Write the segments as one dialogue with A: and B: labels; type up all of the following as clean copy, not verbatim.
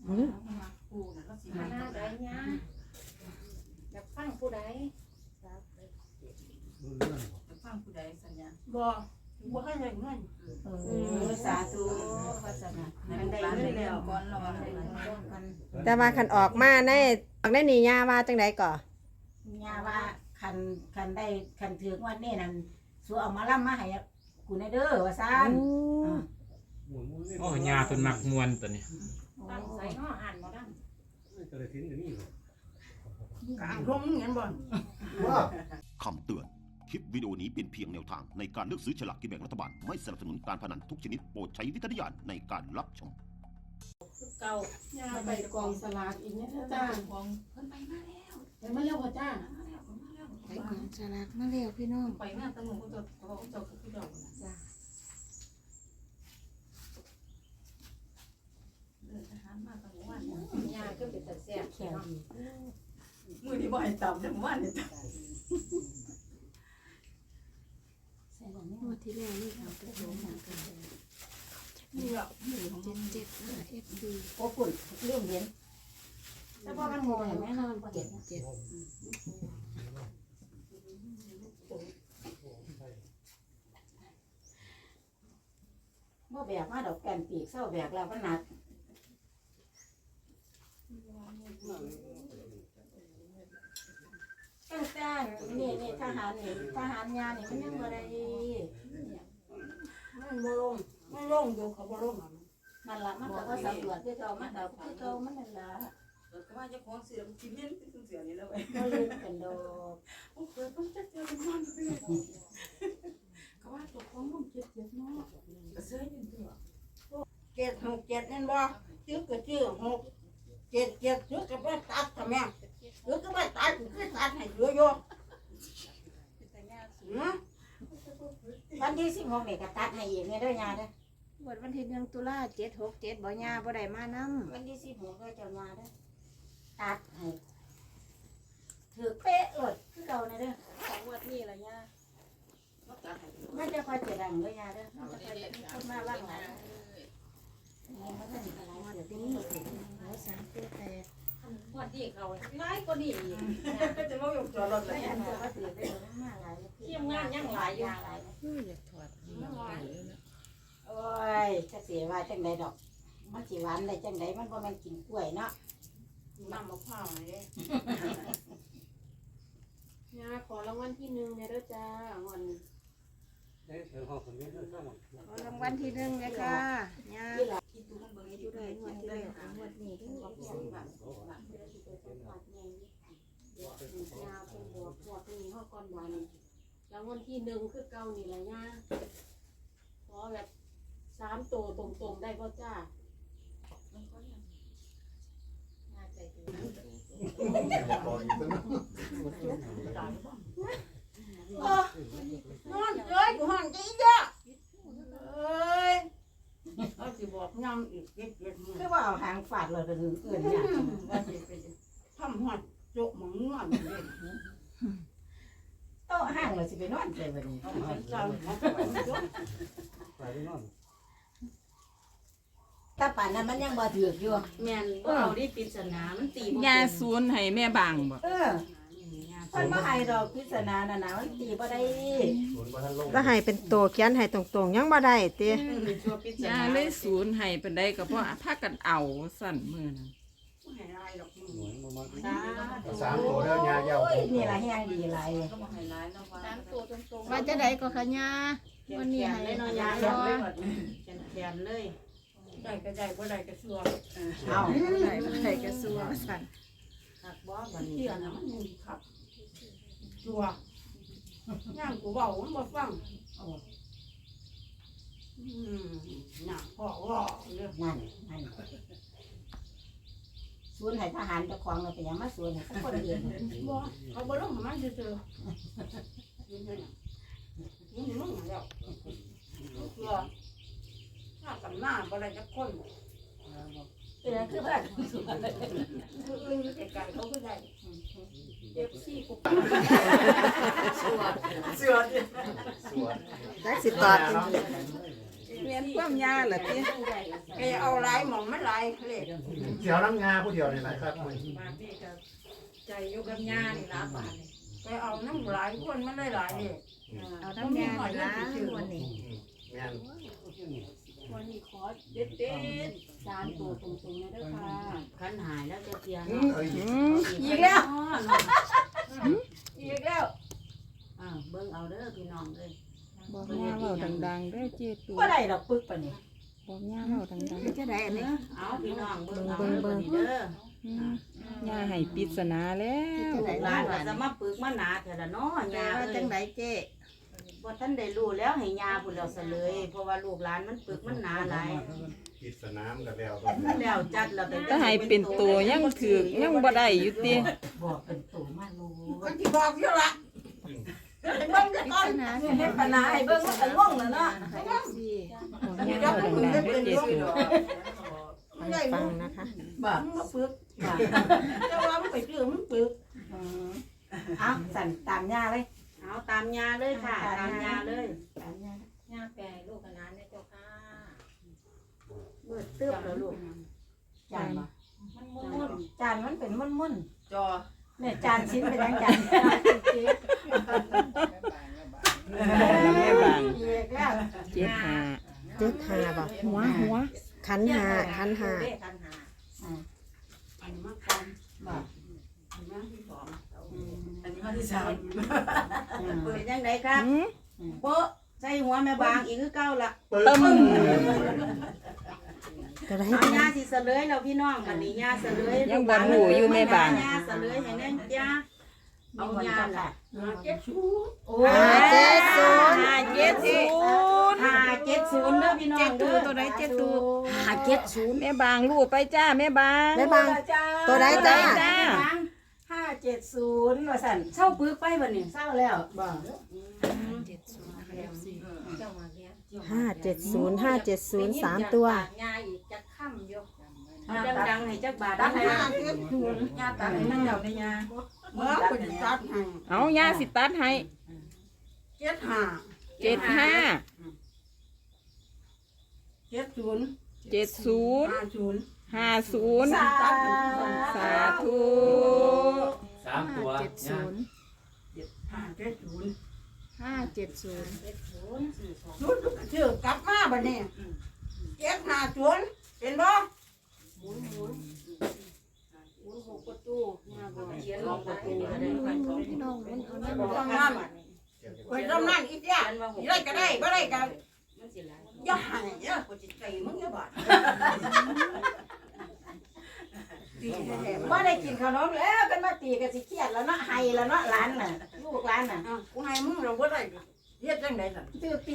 A: ผู้น่ะก็สิ
B: มา
A: มา
B: หน้าใดเนี่ยอยากฟังผู้ใด
A: ฟังผู้ใดสัญญา
B: บ่ให้ได้เงินสาธุพระสนะ
A: ให้ลูกหลานได้เรียนก่อนแล้วว่า
C: แต่ว่าคันออกมาในนี่ย่าว่าจังได๋ก่อ
B: ย่าว่าคันได้คันถือวันนี้นั่นสัวเอามาล่ำมาให้กูในเด้อว่าซั่น
D: โอ้ยาเพิ่นมักมวนตัวนี้
B: ตั้งใส่เนาะอ่านบ่ดัง
A: กลางลมเห็นบ่
E: คำเตือน คลิปวิดีโอนี้เป็นเพียงแนวทางในการเลือกซื้อฉลากกินแบ่งรัฐบาล ไม่สนับสนุนการพนันทุกชนิดโปรดใช้วิจารณญาณในการรับชม
B: เก่า
F: ย่าไปกองสลากอีกเนี่ยจ้า
A: ของเพิ่นไปมาแล้ว
F: เห็นไหมเร็วพ่อจ้า
C: ไปกองสลากมาแล้วพี่น้อง
A: ไปมาตั้งหมู่ก็จะเขาบอกจะคือดอกน่ะ
B: จ้า
A: เดินทหารมาตั้งวัน
B: ย่าก็เป็นตาแซ่บแข็งดี
A: มื้อนี้บ่ให้ตำจังวันนี่
B: ใส่บ่แม่
C: งวดที่แล้วนี่เขาก็โดนมากัน
A: นี่ล่ะมื้อของ
C: 77นะ FD
B: โอ้ปุ่นเรื่องเห็นแต่พอมันโง่เห็นไหมเนาะมันบ่เห็น
C: 77
B: บ่แบกมาดอกแก่นปีกเศร้าแบกแล้วมันหนักตั้งแต่นี่ทหารนี่ทหารยานี่มันยังบ่ได้มันบ่ลง
F: ไม่ลงอยู่เขาบ่ลง
B: มันละมันก็ว่าสำรวจคือเก่ามันก็คือเก่ามันนั่นล่ะ
A: ก็ว่าเจ้าของเสือกินเห็นเป็นเสือนี่แล้วเว้ย
B: บ่ลืมกันดอก
A: โอ้เปิดมันจะเจอเป็นมันไปเลยก็ว่าเจ้าของมันเจ็บเนาะก็เสือเป็นตัว
F: 767นั่นบ่ชื่อก็ชื่อ677ชื่อก็บ่ตัดทำแม่ชื่อก็บ่ตัดคือตัดให้เหลืออยู่
B: วันที่16นี่ก็ตัดให้อีกเนี่ยเด้อยาเด้อ
C: วันที่1ตุลา767บ่ย่าบ่ได้มานำ
B: วันที่16ก็เจ้ายาเด้อตัดให้ถือเป๊ะโลดคือเก่าเนี่ยเด้อ
C: ของงวดนี้ล่ะย่า
B: มันจะคอยจะดังเด้อยาเด้อมันจะคอยจะมีคนมาว่างหลายนี่มันจะมีอะไรเดี๋ยวนี้
C: โอ้3ตัวแตก
B: วันที่เขาหลายกว่านี้อีก
A: จะมาอยู่จอดรถเล
B: แล้ว
A: ย
B: อันจะว่าถือได้มาหลายทีมงานยังหลายอยู่
C: อยากถอด
B: โอ้ยจะเสียว่าจังใดดอก มันสิหวานได้จังใดมันบ่แม่นกินกล้วยเนาะ
A: น้ำมะพร้าวนี่เด้
F: ย่าขอรางวัลที่1เนี่ยเด้อจ้าวัน
C: ขอรางวัลที่1เลยค่ะย่า
A: กินตัวมันเบิ่ง
C: อยู่ได้งวดที่แล้วงวดนี้เด้อ
B: ยาวเป็นบัวพวกนี้เฮาก่อนบ่นี่
F: รางวัลที่1คือเก่านี่ล่ะย่าขอแบบ3ตัวตรงๆได้บ่จ้า
B: น่าใจดีนอนเอ้ยกูห้องจีจ้ะเอ้ย
F: เอาสิบอกยังอีกเก็บ
B: คือว่าเอาหางฟาดเลยเป็นอื่นเนี่ย
F: ว่าสิไปทำฮอดโจกหมองนอนเด้
B: โต๊ะห้างเลยสิไปนอนเลยวันนี้
F: เจ้า
B: ถ้าป่านนั้นมันยังบ่ถือกอยู่
F: แม่นบ่เอาดิปริศนามันตีบ่
G: ยาศูนย์ให้แม่บางบ่
B: เออมันบ่ให้ดอกพิศนาน่ะนะมันตีบ่ได้
C: แล้วให้เป็นตัวเขียนให้ตรงๆยังบ่ได้ติ
A: ชัวปิด
G: ยาเลยศูนย์ให้เป็นได้ก็เพราะพากันเอาสั่นมื้อนั้น
A: ให้ลายดอก
D: 3ตัวแล้วยาเยา
B: โอ้ยนี่ล่ะแฮงดีหลาย
A: ก็บ่ให้ลายเนาะว่า
F: 3ตัวตรงๆ
C: ว่าจะได้ก็ขะย่าวันนี้ให้
F: เนาะ
C: ยา
F: ย่า
C: บ่
F: แขนเลยได้ก็ได้บ่ได้ก็ชัว
B: เอา
C: ได้บ่ได้ก็สู้ว่าซั่น
F: หักบ่บัดนี้เที่ยน่ะมันมุนขับชัวย่างกูเว้ามันบ่ฟังน่ะพ่อว่าเรื่อง
B: นั่นสวนให้ทหารเจ้าของเราเป็นหยังมาสวนให้สักคนอื่น
F: บ่เขาบ่ลงมาซื่อๆยืนนั่นน่ะมึงแล้วชัวถ้ากันหน้าบ่ได้จักคน
B: เป็นหยังคือว่าสวน
F: คืออื่นอยู่ไกลๆเขาก็ได้FC กู
A: เสือ
C: จักสิตอบ
G: เรียนความยาล่ะติ
F: แกเอาหลายหม่องมันหลายเลข
H: เสียวน้ำงาผู้เดียวนี่แหละครับ
A: บาทนี่ก็ใจอยู่กับยานี่ล่ะบาทนี่
F: แกเอาน้ำหลายคนมันหลายเลข
B: เอาทั้งแม่นะวันนี้
H: แม่น
A: วันนี้ขอเด็ด
B: สามตัวตรงๆนะเด้อค่ะขันหายแล้วจะเตียง
H: เอ้ย
B: อีกแล้วอีกแล้วเบิ่งเอาเด้อพี่น้องเลย
G: บอกย่าเว้าดังๆเด้อเจตู
B: บ่ได้ดอกปึกปะนี่
G: บอกย่าเว้าดัง
B: จะได้อันนี้เอาพี่น้องเบิ่งเอา
C: เบิ่ง
B: เด้อ
G: ๆย่าให้ปริศนาแล้ว
B: ลูกหลานว่าจะมาปึกมาหนาแต่ละเนาะยาว่าจังไดเจ้บ่ทันได้รู้แล้วให้ยาพุ่นแล้วซะเลยเพราะว่าลูกหลานมันปึกมันหนาหลาย
H: กิจสนามกับแล้ว
B: แล้วจัดแล้ว
G: ถ้าให้เป็นตัวยังถือยังบ่ได้อยู่ติ
B: บอกเป็นตัวมาลู
F: ก็สิบอกอยู่ล่ะให้เบิ่งก่อนเฮ็ดปัญหาให้เบิ่งมันก็งงแล้วเนาะ
G: บอกย่าเว้าดังๆเด้อเจตู
C: ให้ฟังนะคะ
F: บ่มึงมาปึกบ่แต่ว่ามึงไปซื้อมึงปึก
B: เอาสั่นตามยาเลยเอาตามยาเลยค่ะตามยาเลย
A: ยาแปรลูกกับหลานเนี่ยเจ้าค่ะ
B: เบิดตึ๊บแล้วลูกจานบ่
A: มันม่วน
B: จานมันเป็นมุ่น
F: จอ
B: ๆเนี่ยจานชิ้นเป็นยังจาน
G: แม่บาง
B: อีกแล้ว
G: 75
C: 75บ่
G: หัว
C: ขันหา
A: คันหา
F: อันมาก่อนบ่อันมาที่สองอันนี้มาที่สาม
B: เป็นยังไงครับโป๊ะใส่หัวแม่บางอีกคือเก่าละ
G: ตึม
C: ก็ได้
B: เอายาสิเสลยแล้วพี่น้องมันนี่ยาเสลย
G: ยังบ่รู้อยู่แม่บาง
B: ยาเสลยให้แน่นยาเอายาล่ะ
F: โอ้
C: 570
B: 570เด้อพี่น้องเด้อ
G: ตัวใดเจ็ดตู
B: 570
G: แม่บางรู้ไปจ้าแม่บาง
C: แม่บางตัวใดจ้า
G: จ้า
B: 570ว่าสั่นเศร้าปึกไปบัดนี้เศร้าแล้วบ่
A: เจ้ามาเลี้ยง
C: 570 3 ตัว
A: ยาอีกจะค่ำอยู่
B: ดังๆให้จักบาท
F: ตั
B: ได้
F: ด
B: ไหม
F: ให้ยาตัดให้นั่งเดี๋ยวในยาเมื่อคุณตัดให้
G: เอาย่าสิตัดให้
F: 75
G: 75
F: 70
G: 70
F: 50
G: 50สาธุ
D: 3 ตัว
F: 570
G: 570
F: ชุดชื่อกลับมาบัดนี้750เห็นบ่
A: 6ประตูยาบ่เขียนลงประตู
B: พี่น้องมันเอาได้
F: ต้องนั่นไปต้องนั่นอีกอย่างได้ก็ได้บ่ได้ก็อย่าให้เด้อกูสิใจมึงอย่าบาดตีแท้ๆ
B: บ่ได้กินขนมแล้วกันมาตีกันสิเครียดแล้วเนาะไห้แล้วเนาะหลานน่ะลูกหลานน่ะ
F: กูให้มึงเราบ่ได้เฮ็ดจังได๋ล่ะ
B: ตื้อตี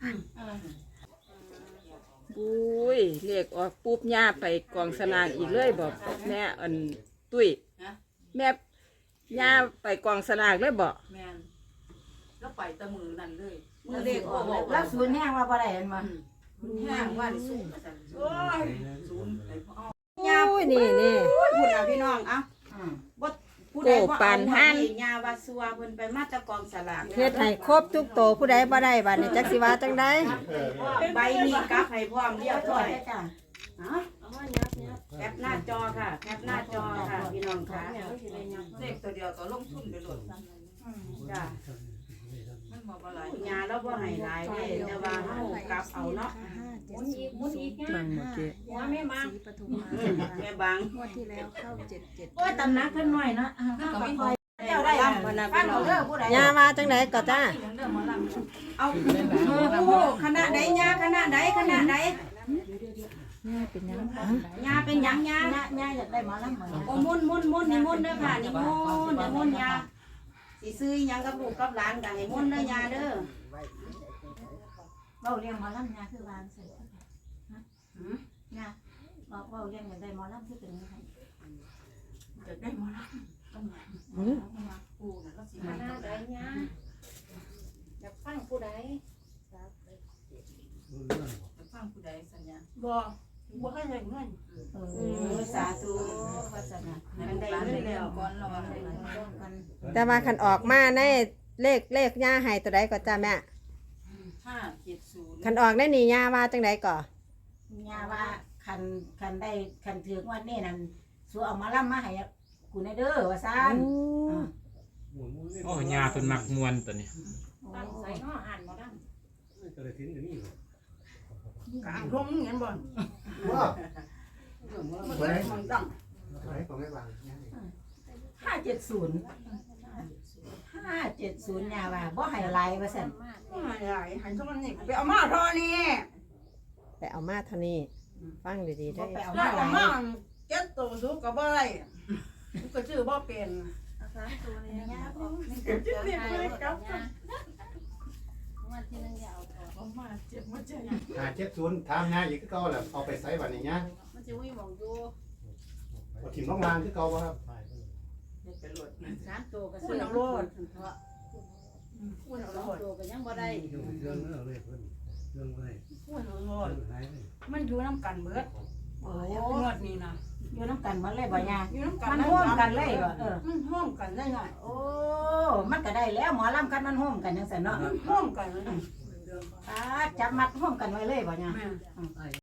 G: บุ้ยเลขออกปุ๊บย่าไปกองสลากอีกเลยบอกแม่อันตุ้ยแม่ย่าไปกองสลากเลยบอก
F: แม่นแล้วไปตะมือนั่นเลย
B: มือเด็กออกแล้วศูนย์แห้งว่าบ่ได้เห็นบ่
F: แห้งว่านี่สูงว่าซั่นโอ้ยสูงไอ้พ่อ
C: โอ้ยนี่
B: พูดนะพี่น้องเอ้าบ่ผู้ใดบ่เอายาว่าซัวเพิ่นไปมาตะกองสลาก
C: เฮ็ดให้ครบทุกโตวผู้ใดบ่ได้บัดนี้จักสิว่าจังได๋
B: ใบนี้กลับให้พร้อมเรียบร้อยจ้ะ
A: เอามายับ
B: แคปหน้าจอค่ะแคปหน้าจอค่ะพี่น้องค่ะ
F: เลขตัวเดียวก็ลงทุนไปโลด
B: จ้ะ
F: มันบ่บ่หลาย
B: ยาเราบ่ให้หลายเด้แต่ว่าเฮากลับเอาเนาะ
A: หมุนอีกนะ
G: บางเมื่อกี้
A: หัวแม่มา
B: แม่บาง
C: งวดที่แล้วเข้า77
B: โอ้ยตำหนักเพิ่นน้อยเนาะก็ไม่ค่อยเจ้าได้ฟันเอาเด้อผู้ใด
C: ย่าว่าจังไดก็จ้า
B: เอาโอ้คณะใดยาคณะใดคณะใด
G: ย่าเป็นยัง
B: ยาเป็นหยังยาอยากได้หมอลำโอ้มุ่นนี่มุ่นเด้อค่ะนี่มุ่นยาสิซื้อหยังกับลูกกับหลานก็ให้มุ่นเด้อยาเด้อเว้าเรียงหมอลำยาคือวางใส่ยาบอกเว้าเรียงอยากได้หมอลำคือเป็นยังไง
F: จะได้มาละ
A: ปูน่ะก็สิมาหน้าใดเนี่ยอยากฟังผู้ใด
F: จะฟังผู้ใดสัญญาบ่ให้ได้เงิน
B: สาธุวาสนาอันใดเงินแล้ว
F: ก่อนเราว่าให้
C: แต่ว่าคันออกมาในเลขย่าให้ตัวใดก็จ้าแม่
F: 570
C: คันออกได้นี่ย่าว่าจังไดก่อ
B: ย่าว่าคันได้คันถือวันนี้นั่นสัวเอามาล่ำมาให้กูในเด้อว่าซั่น
D: โอ้ยาเพิ่นมักมวนตัวนี้
F: ตั้งใส่เนาะอ่านบ่ได้
H: ก็เลยทิ้งอยู่นี่
F: กลางร่มเห็นบ่
H: ว้า
F: มันก็มันตั้ง
H: ไหนของไม่วาง
B: 570ย่าว่าบ่ให้หลายว่าซั่น
F: ไม่ได้หันทุกวันนี้ไปเอามาทอนี่
C: ไปเอามาเท่านี้ฟังดีๆ
B: บ่
C: ได้
B: ไปเอา
F: แล้
B: มาว หลา
F: เอา
B: ย
F: มาเก็บตัวสุกก็บ่ได้ก็ชื่อบ่เป็น
A: เอามาเจ็บมาเจ็บ
H: 570ถามงาอีกคือเก่าแหละเอาไปใส่บัดนี้เนี่ย
F: มันจะวิ่งมองอยู่
H: บ่ถิ่มลงลางคือเก่าบ่ครับ
F: 3ตัวก็ซื้อเอาโลดคุณเอาโลดตัวก็ยังบ่ได้คุณเอาโลดมันอยู่นำกันเบิด
B: โอ้
F: งวดนี้นะ
B: อยู่น้ำกันหมดเลยบ่ย่า
F: อยู่นำกัน
B: มันร่วมกันเลยบ่
F: มันร่วมกันได้หน่อย
B: โอ้มันก็ได้แล้วหมอลำคันมันร่วมกันจังซั่นเนาะ
F: ร่วมกันเลย
B: จับมัดร่วมกันไว้เลยบ่ย่า
F: แม่